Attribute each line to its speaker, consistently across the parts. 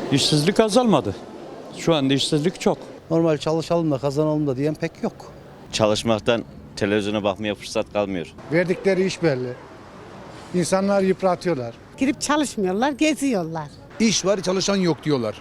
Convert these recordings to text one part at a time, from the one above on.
Speaker 1: İşsizlik azalmadı. Şu anda işsizlik çok.
Speaker 2: Normal çalışalım da kazanalım da diyen pek yok.
Speaker 3: Çalışmaktan televizyona bakmaya fırsat kalmıyor.
Speaker 4: Verdikleri iş belli. İnsanlar yıpratıyorlar.
Speaker 5: Girip çalışmıyorlar, geziyorlar.
Speaker 6: İş var, çalışan yok diyorlar.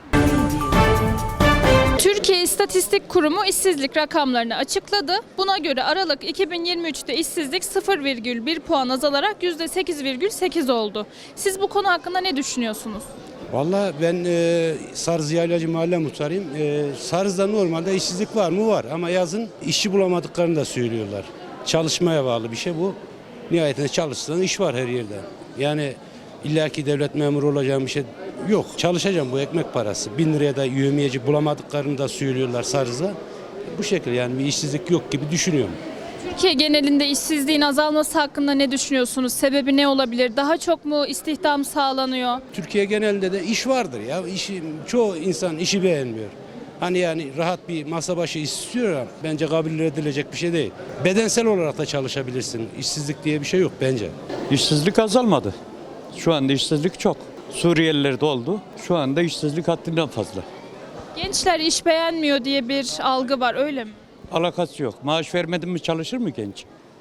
Speaker 7: Türkiye İstatistik Kurumu işsizlik rakamlarını açıkladı. Buna göre Aralık 2023'te işsizlik 0,1 puan azalarak %8,8 oldu. Siz bu konu hakkında ne düşünüyorsunuz?
Speaker 8: Vallahi ben Sarız Yaylacı Mahalle Muhtarıyım. Sarız'da normalde işsizlik var mı? Var ama yazın işçi bulamadıklarını da söylüyorlar. Çalışmaya bağlı bir şey bu. Nihayetinde çalışsan iş var her yerde. Yani illaki devlet memuru olacağım bir şey yok. Çalışacağım, bu ekmek parası. 1000 liraya da yövmiyeci bulamadıklarını da söylüyorlar Sarız'da. Bu şekilde yani bir işsizlik yok gibi düşünüyorum.
Speaker 7: Türkiye genelinde işsizliğin azalması hakkında ne düşünüyorsunuz? Sebebi ne olabilir? Daha çok mu istihdam sağlanıyor?
Speaker 8: Türkiye genelinde de iş vardır ya. Çoğu insan işi beğenmiyor. Hani yani rahat bir masa başı istiyor ama bence kabul edilecek bir şey değil. Bedensel olarak da çalışabilirsin. İşsizlik diye bir şey yok bence.
Speaker 1: İşsizlik azalmadı. Şu anda işsizlik çok. Suriyeliler de oldu. Şu anda işsizlik haddinden fazla.
Speaker 7: Gençler iş beğenmiyor diye bir algı var, öyle mi?
Speaker 1: Alakası yok. Maaş vermedin mi çalışır mı genç?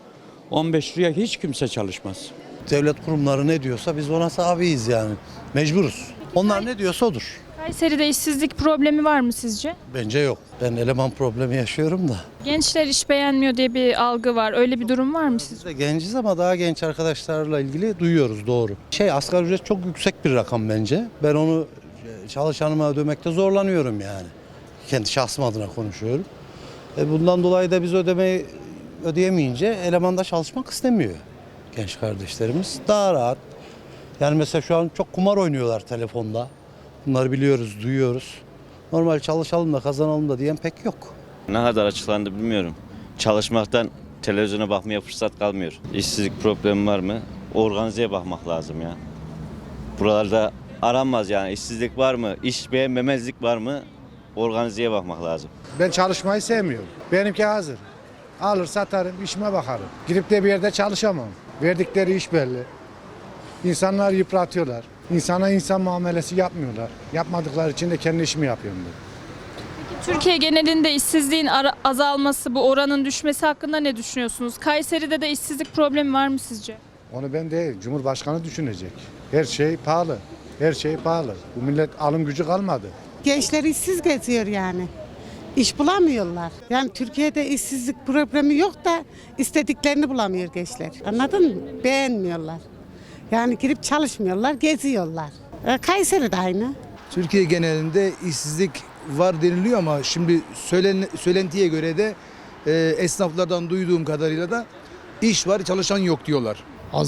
Speaker 1: 15 liraya hiç kimse çalışmaz.
Speaker 2: Devlet kurumları ne diyorsa biz ona tabiiz yani. Mecburuz. Onlar ne diyorsa odur.
Speaker 7: Kayseri'de işsizlik problemi var mı sizce?
Speaker 2: Bence yok. Ben eleman problemi yaşıyorum da.
Speaker 7: Gençler iş beğenmiyor diye bir algı var. Öyle bir durum var mı sizce?
Speaker 2: Biz de genciz ama daha genç arkadaşlarla ilgili duyuyoruz, doğru. Asgari ücret çok yüksek bir rakam bence. Ben onu çalışanıma ödemekte zorlanıyorum yani. Kendi şahsım adına konuşuyorum. Bundan dolayı da biz ödeyemeyince eleman da çalışmak istemiyor genç kardeşlerimiz. Daha rahat. Yani mesela şu an çok kumar oynuyorlar telefonda. Bunları biliyoruz, duyuyoruz. Normal çalışalım da kazanalım da diyen pek yok.
Speaker 3: Ne kadar açıklandı bilmiyorum. Çalışmaktan televizyona bakmaya fırsat kalmıyor. İşsizlik problemi var mı? Organizeye bakmak lazım ya. Buralarda aranmaz yani. İşsizlik var mı? İş beğenmemezlik var mı? Organizeye bakmak lazım.
Speaker 4: Ben çalışmayı sevmiyorum. Benimki hazır. Alır satarım, işime bakarım. Girip de bir yerde çalışamam. Verdikleri iş belli. İnsanlar yıpratıyorlar. İnsana insan muamelesi yapmıyorlar. Yapmadıkları için de kendi işimi yapıyorum ben.
Speaker 7: Türkiye genelinde işsizliğin azalması, bu oranın düşmesi hakkında ne düşünüyorsunuz? Kayseri'de de işsizlik problemi var mı sizce?
Speaker 4: Onu ben değil, Cumhurbaşkanı düşünecek. Her şey pahalı. Her şey pahalı. Bu millet alım gücü kalmadı.
Speaker 5: Gençler işsiz geziyor yani. İş bulamıyorlar. Yani Türkiye'de işsizlik problemi yok da istediklerini bulamıyor gençler. Anladın mı? Beğenmiyorlar. Yani girip çalışmıyorlar, geziyorlar. Kayseri de aynı.
Speaker 6: Türkiye genelinde işsizlik var deniliyor ama şimdi söylentiye göre de esnaflardan duyduğum kadarıyla da iş var, çalışan yok diyorlar.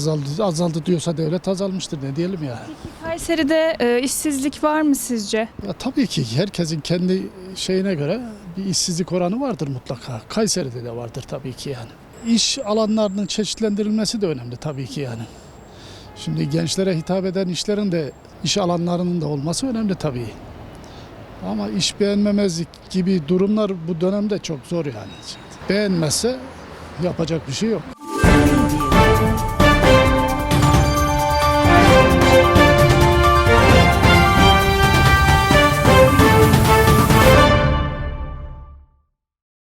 Speaker 9: Azaldı diyorsa devlet azalmıştır, ne diyelim yani.
Speaker 7: Kayseri'de işsizlik var mı sizce?
Speaker 9: Ya tabii ki herkesin kendi şeyine göre bir işsizlik oranı vardır mutlaka. Kayseri'de de vardır tabii ki yani. İş alanlarının çeşitlendirilmesi de önemli tabii ki yani. Şimdi gençlere hitap eden işlerin de iş alanlarının da olması önemli tabii. Ama iş beğenmemezlik gibi durumlar bu dönemde çok zor yani. Beğenmezse yapacak bir şey yok.